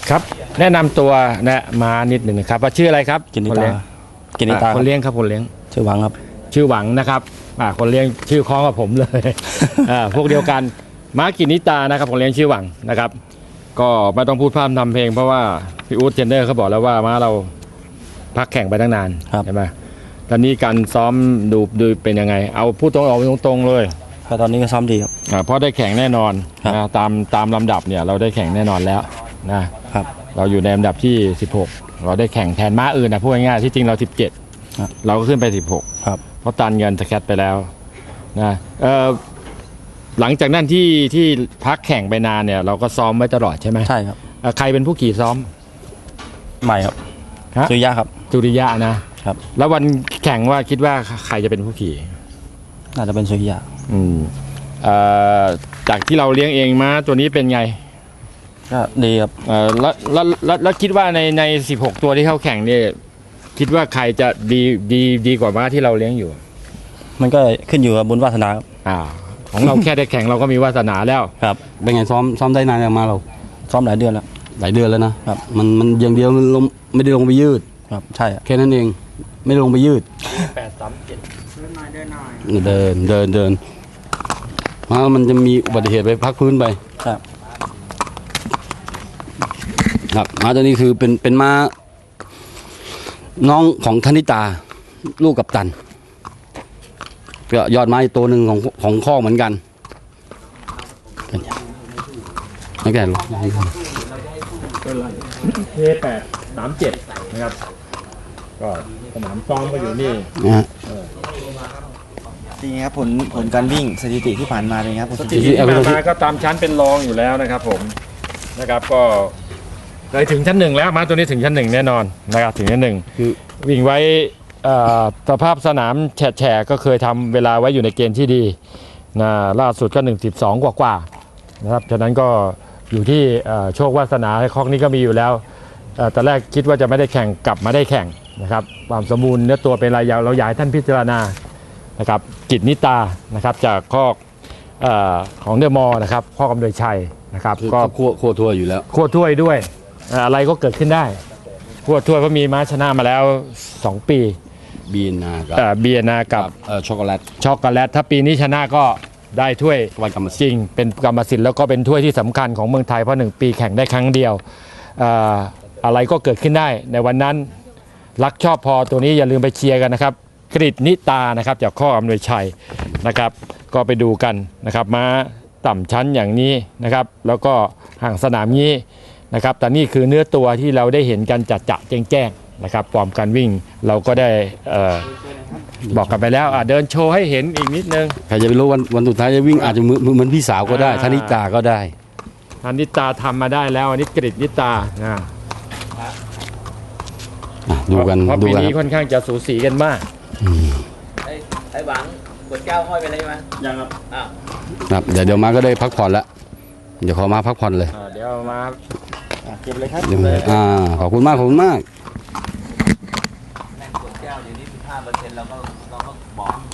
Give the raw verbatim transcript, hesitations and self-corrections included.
ครับแนะนำตัวนะมานิดหนึ่งนะครับว่าชื่ออะไรครับกินิคนตาเลี้ยงกินิตาอ่าคนเลี้ยงครับคนเลี้ยงชื่อหวังครับชื่อหวังนะครับอ่าคนเลี้ยงชื่อคล้องกับผมเลย อ่าพวกเดียวกันม้ากินิตานะครับคนเลี้ยงชื่อหวังนะครับ ก็ไม่ต้องพูดพร่ำทำเพลงเพราะว่าพี่อู๊ดเทรนเนอร์เขาบอกแล้วว่าม้าเราพักแข่งไปตั้งนานครับใช่ไหมตอนนี้การซ้อมดูดูเป็นยังไง เอาพูดตรงออกตรงๆเลยก็ตอนนี้ก็ซ้อมดีครับอ่าเพราะได้แข่งแน่นอนครับนะตามตามลำดับเนี่ยเราได้แข่งแน่นอนแล้วนะครับ เราอยู่ในลำดับที่สิบหกเราได้แข่งแทนม้าอื่นนะพูดง่ายๆที่จริงเราสิบเจ็ดครับเราก็ขึ้นไปสิบหกครับเพราะตันเงินสแคตไปแล้วนะเอ่อหลังจากนั้นที่ที่พักแข่งไปนานเนี่ยเราก็ซ้อมไว้ตลอดใช่ไหมใช่ครับเอ่อใครเป็นผู้ขี่ซ้อมใหม่ครับฮะสุริยะครับจุริยะนะครับ แล้ววันแข่งว่าคิดว่าใครจะเป็นผู้ขี่น่าจะเป็นสุริยะอืมเอ่อจากที่เราเลี้ยงเองม้าตัวนี้เป็นไงก็ดีครับเอ่อแล้วแล้วแล้วแล้วคิดว่าในในสิบหกตัวที่เข้าแข่งเนี่ยคิดว่าใครจะดีดีดีกว่าม้าที่เราเลี้ยงอยู่มันก็ขึ้นอยู่กับบุญวาสนาครับอ่าของเราแค่ได้แข่งเราก็มีวาสนาแล้วครับเป็นไงซ้อมซ้อมได้นานยังมาเราซ้อมหลายเดือนแล้วหลายเดือนแล้วนะครับ มันมันอย่างเดียวมันลงไม่ได้ลงไปยืดครับใช่ครับแค่นั้นเองไม่ได้ลงไปยืดแปดสามเจ็ดเดินเดินเดินมามันจะมีอุบัติเหตุไปพักพื้นไปครับครับม้าตัวนี้คือเป็นเป็นม้าน้องของธนิตา ลูกกัปตันก็ยอดไม้ตัวหนึ่งของของข้อเหมือนกันไม่แก่หรอกเทแปดสามเจ็ดนะครับก็สนามซ้อมก็อยู่นี่นะฮะจริงครับผลผลการวิ่งสถิติที่ผ่านมาเป็นไงครับผลสสถิถิติติที่ผ่านมาก็ตามชั้นเป็นรองอยู่แล้วนะครับผมนะครับก็เลยถึงชั้นหนึ่งแล้วมาตัวนี้ถึงชั้นหนึ่งแน่นอนนะครับถึงชั้นหนึ่งคือวิ่งไว้เอ่อสภาพสนามแฉะๆก็เคยทำเวลาไว้อยู่ในเกณฑ์ที่ดีนะล่าสุดก็หนึ่งสิบสองกว่าๆนะครับฉะนั้นก็อยู่ที่เอ่อโชควาสนาให้คอกนี้ก็มีอยู่แล้วเอ่อตอนแรกคิดว่าจะไม่ได้แข่งกลับมาได้แข่งนะครับความสมบูรณ์เนื้อตัวเป็นอะไรยาวเราอยากให้ท่านพิจารณานะครับกิจนิตานะครับจากคอกเอ่อของเดอะมอลล์นะครับคอกกำเนิดชัยนะครับคือก็ก็ขั้วขั้วทั่วอยู่แล้วขั้วถ้วยด้วยเอ่ออะไรก็เกิดขึ้นได้ขั้วถ้วยเพราะมีม้าชนะมาแล้วสองปีบีนากับเอ่อเบียร์นากับเอ่อช็อกโกแลตช็อกโกแลตถ้าปีนี้ชนะก็ได้ถ้วยวันกรรมสิทธิ์จริงเป็นกรรมสิทธิ์แล้วก็เป็นถ้วยที่สำคัญของเมืองไทยเพราะหนึ่งปีแข่งได้ครั้งเดียวเอ่ออะไรก็เกิดขึ้นได้ในวันนั้นรักชอบพอตัวนี้อย่าลืมไปเชียร์กันนะครับกริตนิตานะครับจากข้ออำนวยชัยนะครับก็ไปดูกันนะครับม้าต่ำชั้นอย่างนี้นะครับแล้วก็ห่างสนามนี้นะครับแต่นี่คือเนื้อตัวที่เราได้เห็นกันจัดจะแจ้งแจ้งๆนะครับฟอร์มการวิ่งเราก็ได้เอ่อบอกกันไปแล้วอ่ะเดินโชว์ให้เห็นอีกนิดนึงใครจะไปรู้วันวันสุดท้ายจะวิ่งอาจจะเหมือนเหมือนพี่สาวก็ได้อ่าธนิตาก็ได้อันนิตาทำมาได้แล้วอันนี้กริตนิตานะอ่ะดูกันเพราะดูปีกันนี้ครับค่อนข้างจะสูสีกันมากไอ้ไอ้หวังกดแก้วห้อยไปเลยใช่ไหมยังครับอ้าวครับเดี๋ยวเดี๋ยวมาก็ได้พักผ่อนแล้วเดี๋ยวขอมาพักผ่อนเลยเดี๋ยวมาเก็บเลยครับเดี๋ยวมาอ่าขอบคุณมากขอบคุณมากแม่งกดแก้วเดี๋ยวนี้สิบห้าเปอร์เซ็นต์เราก็เราก็บอก